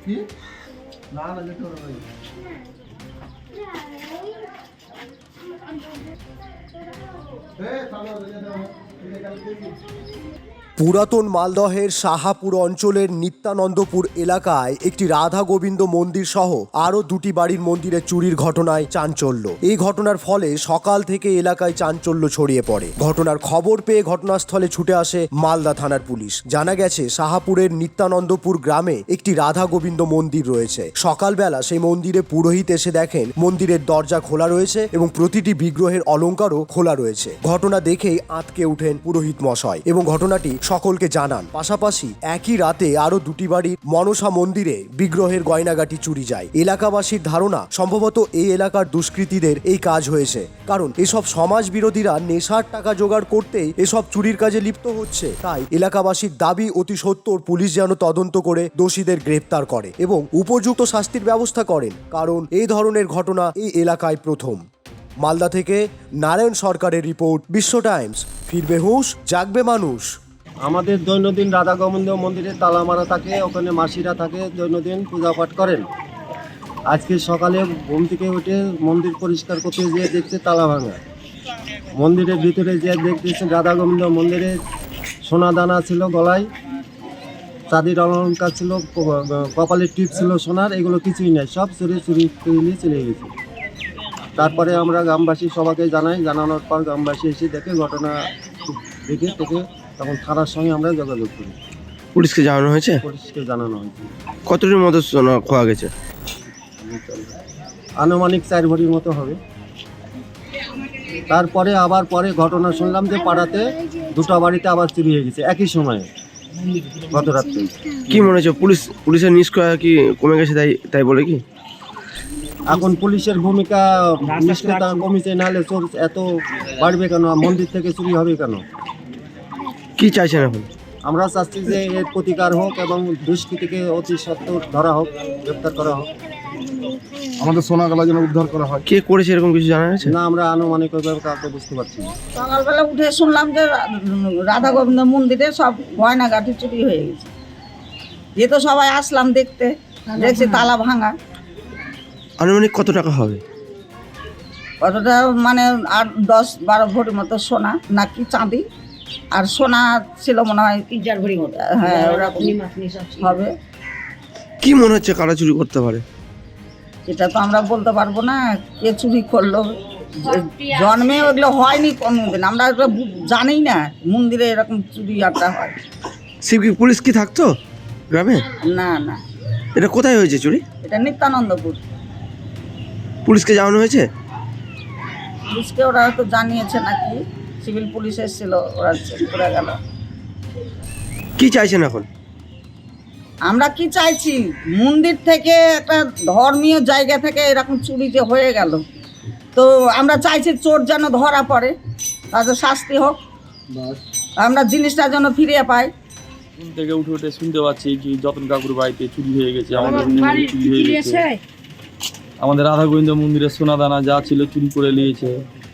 কি না না যেতে পারবে পুরাতন মালদহের শাহাপুর অঞ্চলের নিত্যানন্দপুর এলাকায় একটি রাধা গোবিন্দ মন্দির সহ আরও দুটি বাড়ির মন্দিরে চুরির ঘটনায় চাঞ্চল্য। এই ঘটনার ফলে সকাল থেকে এলাকায় চাঞ্চল্য ছড়িয়ে পড়ে। ঘটনার খবর পেয়ে ঘটনাস্থলে ছুটে আসে মালদা থানার পুলিশ। জানা গেছে শাহাপুরের নিত্যানন্দপুর গ্রামে একটি রাধা গোবিন্দ মন্দির রয়েছে। সকালবেলা সেই মন্দিরে পুরোহিত এসে দেখেন মন্দিরের দরজা খোলা রয়েছে এবং প্রতিটি বিগ্রহের অলংকারও খোলা রয়েছে। ঘটনা দেখেই আঁতকে উঠেন পুরোহিত মশাই এবং ঘটনাটি সকলকে জানান। পাশাপাশি একই রাতে আরো দুটি বাড়ির মনসা মন্দিরে বিগ্রহের গয়নাগাটি চুরি যায়। এলাকাবাসীর ধারণা সম্ভবত এই এলাকার দুষ্কৃতীদের এই কাজ হয়েছে, কারণ এসব সমাজ বিরোধীরা নেশার টাকা জোগাড় করতেই এসব চুরির কাজে লিপ্ত হচ্ছে। তাই এলাকাবাসীর দাবি অতি সত্বর পুলিশ যেন তদন্ত করে দোষীদের গ্রেপ্তার করে এবং উপযুক্ত শাস্তির ব্যবস্থা করেন, কারণ এই ধরনের ঘটনা এই এলাকায় প্রথম। মালদা থেকে নারায়ণ সরকারের রিপোর্ট, বিশ্ব টাইমস। ফিরবে হুঁশ, জাগবে মানুষ। আমাদের দৈনন্দিন রাধা গোবিন্দ মন্দিরে তালা মারা থাকে, ওখানে মাসিরা থাকে, দৈনন্দিন পূজা পাঠ করেন। আজকে সকালে ঘুম থেকে উঠে মন্দির পরিষ্কার করতে যেয়ে দেখছে তালা ভাঙা। মন্দিরের ভিতরে যে দেখতেছে রাধা গোবিন্দ মন্দিরে সোনা দানা ছিল, গলায় চাঁদির অলঙ্কার ছিল, কপালের টিপ ছিল সোনার, এগুলো কিছুই নাই, সব চুরি করে নিয়ে চলে গেছে। তারপরে আমরা গ্রামবাসী সবাইকে জানাই, জানানোর পর গ্রামবাসী এসে দেখে ঘটনা দেখে তখন থানার সঙ্গে আমরা যোগাযোগ করি। পুলিশকে জানানো হয়েছে? পুলিশকে জানানো হয়েছে। কতটির মতো সোনা খোয়া গেছে? আনুমানিক 4 ভরির মতো হবে। তারপরে আবার পরে ঘটনা শুনলাম যে পাড়াতে দুটো বাড়িতে আবার চুরি হয়ে গেছে একই সময়ে, গত রাত্রে। কি মনে হচ্ছে পুলিশের নিষ্ক্রিয়তা কি কমে গেছে তাই বলে কি? এখন পুলিশের ভূমিকা নিষ্ক্রিয়তা কমেছে, নাহলে চোর এত বাড়বে কেন? মন্দির থেকে চুরি হবে কেন? কি চাইছেন এখন? আমরা চাচ্ছি যে এর প্রতিকার হোক এবং দুষ্কৃতীকে অতি সত্বর ধরা হোক, গ্রেপ্তার করা হোক। আমাদের সোনাগালা যেন উদ্ধার করা হয়। কে করেছে এরকম কিছু জানা গেছে? না, আমরা আনুমানিকভাবে কাউকে বুঝতে পারছি না। সকালবেলা উঠে শুনলাম যে রাধা গোবিন্দ মন্দিরে সব গয়নাগাটি চুরি হয়ে গেছে। এ তো সবাই আসলাম দেখতে, দেখছি তালা ভাঙা। আনুমানিক কত টাকা হবে? কতটা মানে 8-10-12 ভরি মতো সোনা নাকি চাঁদি, আর সোনা ছিল মনে হয় 3-4 ভরি মতো। হ্যাঁ, ওরকম হবে। কি মনে হচ্ছে কারা চুরি করতে পারে? এটা তো আমরা বলতে পারবো না কে চুরি করলো। জন্মে ওগুলো হয়নি কোনোদিন, আমরা ওগুলো জানি না মন্দিরে এরকম চুরি আড্ডা হয়। পুলিশ কি থাকতো গ্রামে? না না, এটা কোথায় হয়েছে চুরি? এটা নিত্যানন্দপুর। পুলিশকে জানানো হয়েছে? পুলিশকে ওরা হয়তো জানিয়েছে নাকি, সিভিল পুলিশ এসেছিল, ওরা চেক করে গেল। কি চাইছেন এখন? আমরা কি চাইছি, মন্দির থেকে একটা ধর্মীয় জায়গা থেকে এরকম চুরি যে হয়ে গেল, তো আমরা চাইছি চোর যেন ধরা পড়ে, তাদের শাস্তি হোক, আমরা জিনিসটা যেন ফিরিয়ে পাই। ঘুম থেকে উঠে শুনতে পাচ্ছি কি যতন কাকুর বাড়িতে চুরি হয়ে গেছে, আমাদের মন্দিরে চুরি হয়ে গেছে, আমাদের রাধা গোবিন্দ মন্দিরের সোনা দানা যা ছিল চুরি করে নিয়েছে।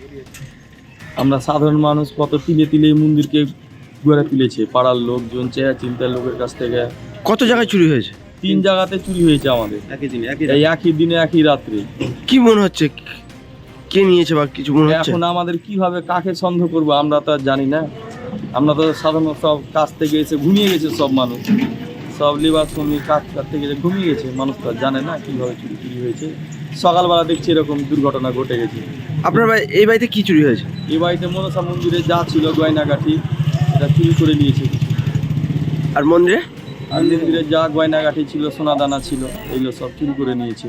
আমরা সাধারণ মানুষ কত তিলে এই মন্দিরকে গড়ে তুলেছে, পাড়ার লোকজন, চেয়া চিন্তার লোকের কাছ থেকে। কত জায়গায় চুরি হয়েছে? 3 জায়গাতে চুরি হয়েছে আমাদের একই দিনে একই রাত্রে। কি মনে হচ্ছে কে নিয়েছে বা কিছু মনে হচ্ছে? এখন আমাদের কিভাবে কাকে সন্দেহ করবো আমরা তো আর জানি না। আমরা তো সাধারণ সব কাজ থেকে এসে ঘুমিয়ে গেছে, সব মানুষ, সব লেবার শ্রমিক কাজ থেকে ঘুমিয়ে গেছে। মানুষ তো আর জানে না কিভাবে চুরি হয়েছে। সকালবেলা দেখছি এরকম দুর্ঘটনা ঘটে গেছে। আপনার এই বাড়িতে কি চুরি হয়েছে? এই বাড়িতে মনসা মন্দিরে যা ছিল গয়নাগাঠি, এটা চুরি করে নিয়েছে। আর মন্দিরে যা গয়নাগাঠি ছিল, সোনা দানা ছিল, এগুলো সব চুরি করে নিয়েছে।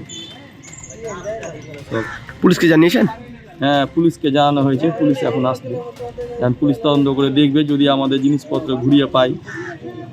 পুলিশকে জানিয়েছেন? হ্যাঁ, পুলিশকে জানানো হয়েছে। পুলিশ এখন আসবে, পুলিশ তদন্ত করে দেখবে, যদি আমাদের জিনিসপত্র ঘুরিয়ে পাই